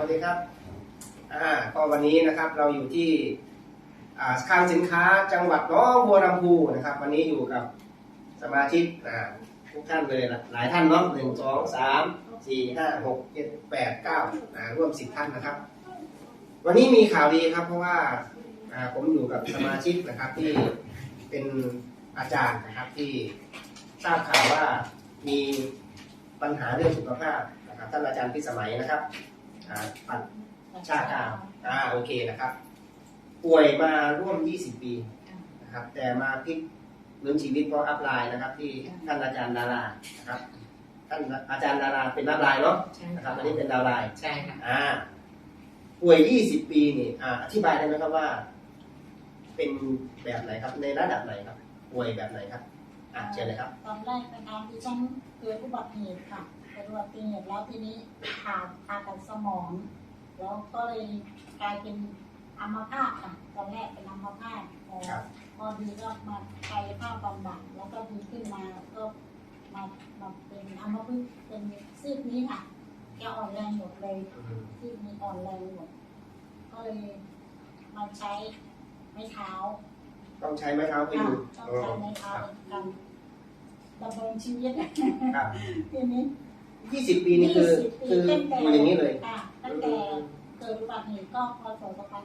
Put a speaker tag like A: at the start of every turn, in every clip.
A: ดีครับก็วันนี้นะครับเราอยู่ที่คลังสินค้าจังหวัดหนองบัวลำพูนะครับวันนี้อยู่กับสมาชิกทุกท่านเลยหลายท่านเนาะ1 2 3 4 5 6 7 8 9ร่วม10 ท่านนะครับวันนี้มีข่าวดีครับเพราะว่าผมอยู่กับสมาชิกนะครับที่เป็นอาจารย์นะครับที่ทราบข่าวว่ามีปัญหาเรื่องสุขภาพนะครับท่านอาจารย์พิสมัยนะครับปัญชาข่าวโอเคนะครับป่วยมาร่วม20 ปีนะครับแต่มาพลิกฟื้นชีวิตเพราะอัพไลน์นะครับที่ท่านอาจารย์ดารานะครับท่านอาจารย์ดาราเป็นอัพไลน์เนาะนะครับอันนี้เป็นดาวไลน์
B: ใช่ค่ะ
A: ป่วย20 ปีนี่อธิบายได้ไหมครับว่าเป็นแบบไหนครับในระดับไหนครับป่วยแบบไหนครับเชิญเลยครับ
C: ตอนแรกนะคะดิฉันเกิดอุบัติเหตุค่ะเกิดอุบัติเหตุแล้วทีนี้ผ่าตัดสมองแล้วก็เลยกลายเป็นอัมพาตค่ะตอนแรกเป็นอัมพาตพอดีก็มากายภาพบำบัดแล้วก็ดีขึ้นมาก็มาเป็นอัมพฤกษ์เป็นซีกนี้ค่ะแกอ่อนแรงหมดเลยซีกนี้อ่อนแรงหมดก็เลยมาใช้ไม้เท้า
A: ต้องใช้ไม้เท้าไปอยู่
C: ต้องใช้ไม้เท้ากันดำรงชีวิตทีนี้
A: 20 ปีนี่คืออยู่อย่างนี้เลย
C: ตั้งแต่เกิดอุบัติเหตุก็พศ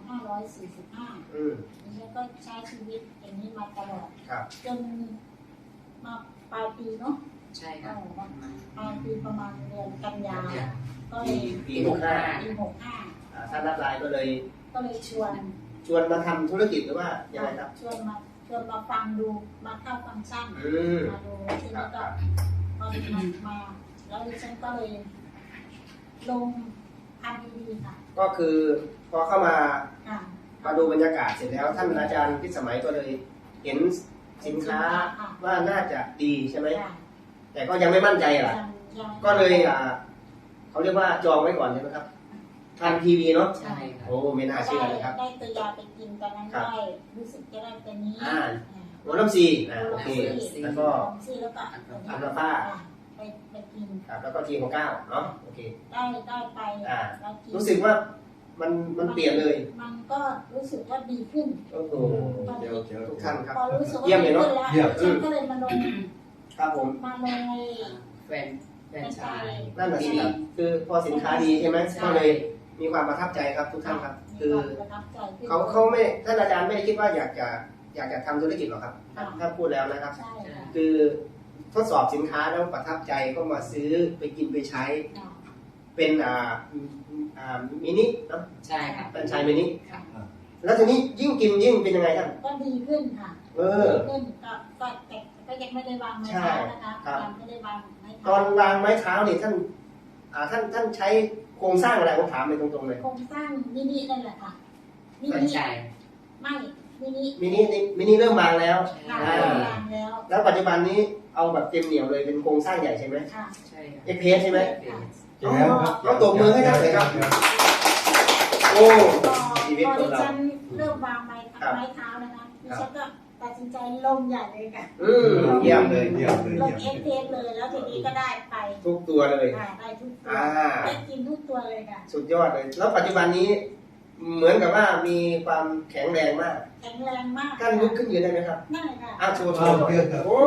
C: 2545นี่ก็ใช้ชีวิตอย่างนี้มาตลอดจนมาปลายปีเนาะ
B: ใช่ครับ
C: ปลายปีประมาณเดือนกันยาก็เลย
A: ปี
C: 65
A: ท่านรับไลน์ก็เลย
C: ชวน
A: มาทำธุรกิจหรือว่ายังไงครับ
C: ชวนมาฟังดูมาเข้าฟังก์ชันมาดูทีนี้ก็พอมาแล้วดิฉันก็เลยลงทำดีๆค่ะ
A: ก็คือพอเข้ามาดูบรรยากาศเสร็จแล้วท่านอาจารย์พิสมัยก็เลยเห็นสินค้าว่าน่าจะดีใช่ไหมแต่ก็ยังไม่มั่นใจล่ะก็เลยเขาเรียกว่าจองไว้ก่อนใช่ไหมครับทางทีวีเนาะ
C: ใช่
A: โอ้ไม่น่าเชื่อเลยครับ
C: ได้ตัวยาไปกินตอนนั้นได้รู้สึกจะได้ตัวนี้
A: หัวน้ำซีโอเคแล้วก็อัลฟา
C: ไปกิน
A: แล้วก็ทีของ9เนาะโอเค
C: ได้ไป
A: รู้สึกว่ามันเปลี่ยนเลย
C: มันก็รู้สึกว่าดีขึ้น
A: โอ้โหเดี๋ยวทุกท่านครับ
C: เยี่ยมเลยเนาะฉันก็เลยมาลง
A: ครับผม
C: มาลง
B: แฟนชาย
A: นั่นแหละครับคือพอสินค้าดีใช่ไหมก็เลยมีความประทับใจครับทุกท่านครับคือเขาไม่ท่านอาจารย์ไม่ได้คิดว่าอยากจะทำธุรกิจหรอกครับถ้าพูดแล้วนะครับคือทดสอบสินค้าแล้วประทับใจก็มาซื้อไปกินไปใช้เป็นมินิเนาะ
B: ใช่ครับ
A: เป็นชายมินิแล้วทีนี้ยิ่งกินยิ่งเป็นยังไงท่าน
C: ก็ดีขึ้นค่ะดีขึ้นก็ยังไม่ได้วางไม้เท้านะคะยังไม่ได้วางไม้เท้า
A: ตอนวางไม้เท้าเนี่ยท่านใช้โครงสร้างอะไรผมถามไปตรงๆเลย
C: โครงสร้างมินินั่นแหละค่ะ
B: มินิ
C: ไม่มิ
A: นิเริ่มวางแล้ว
C: แล้ว
A: ปัจจุบันนี้เอาแบบเต็มเหนียวเลยเป็นโครงสร้างใหญ่ใช่ไหม
C: ค่ะ
A: ใช่เอ็กเพสใช่ไหมต้องตบมือให้ท่านเลยครับโอ้
C: ชีวิตของเราเริ่มวางไม้เท้านะคะดิฉันก็ตัดสินใจลงใหญ่เลยค่ะ
A: เยี่ยมเลย
C: ลงเอ็กเพสเลยแล้วทีนี้ก็ได้ไป
A: ทุกตัวเลย
C: ได้ทุกตัวได้กินทุกตัวเลยค่ะ
A: สุดยอดเลยแล้วปัจจุบันนี้เหมือนกับว่ามีความแข็งแรงมากท่านลุกขึ้นยืนได้ไหมครับ
C: ได้ค่ะ
A: โชว์โอ้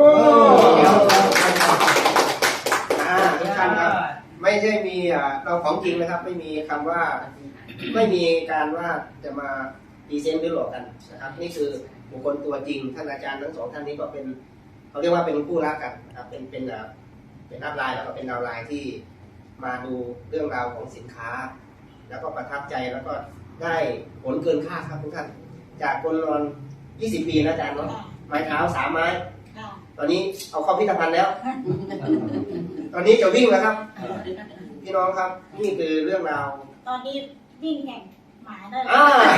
A: ทุกท่านครับไม่ใช่มีเราของจริงนะครับไม่มีคำว่าไม่มีการว่าจะมาดีเซนต์หรือหลอกกันนะครับนี่คือบุคคลตัวจริงท่านอาจารย์ทั้ง2ท่านนี้ก็เป็นเขาเรียกว่าเป็นคู่รักกันนะครับเป็นอัพไลน์แล้วก็เป็นดาวไลน์ที่มาดูเรื่องราวของสินค้าแล้วก็ประทับใจแล้วก็ได้ผลเกินคาดครับทุกท่านจากคนนอน20 ปีนะอาจารย์เนาะไม้เท้า3 ไม้ตอนนี้เอาเข้าพิพิธภัณฑ์แล้วตอนนี้จะวิ่งแล้วครับพี่น้องครับนี่คือเรื่องราว
C: ตอนนี้วิ่งแข่งหมาได้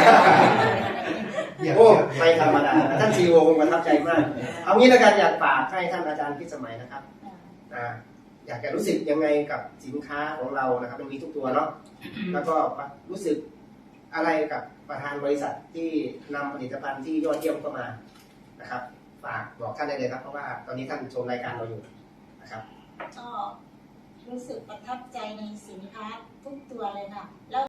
A: โอ้ไม่ธรรมดาท่านซีโอคงประทับใจมากเอางี้แล้วกันอยากฝากให้ท่านอาจารย์พิสมัยนะครับอยากจะรู้สึกยังไงกับสินค้าของเรานะครับมันมีทุกตัวเนาะแล้วก็รู้สึกอะไรกับประธานบริษัทที่นำผลิตภัณฑ์ที่ยอดเยี่ยมเข้ามานะครับฝากบอกท่านได้เลยครับเพราะว่าตอนนี้ท่านชมรายการเราอยู่นะครับ
C: ก็รู้สึกประทับใจในสินค้าทุกตัวเลยค่ะแล้ว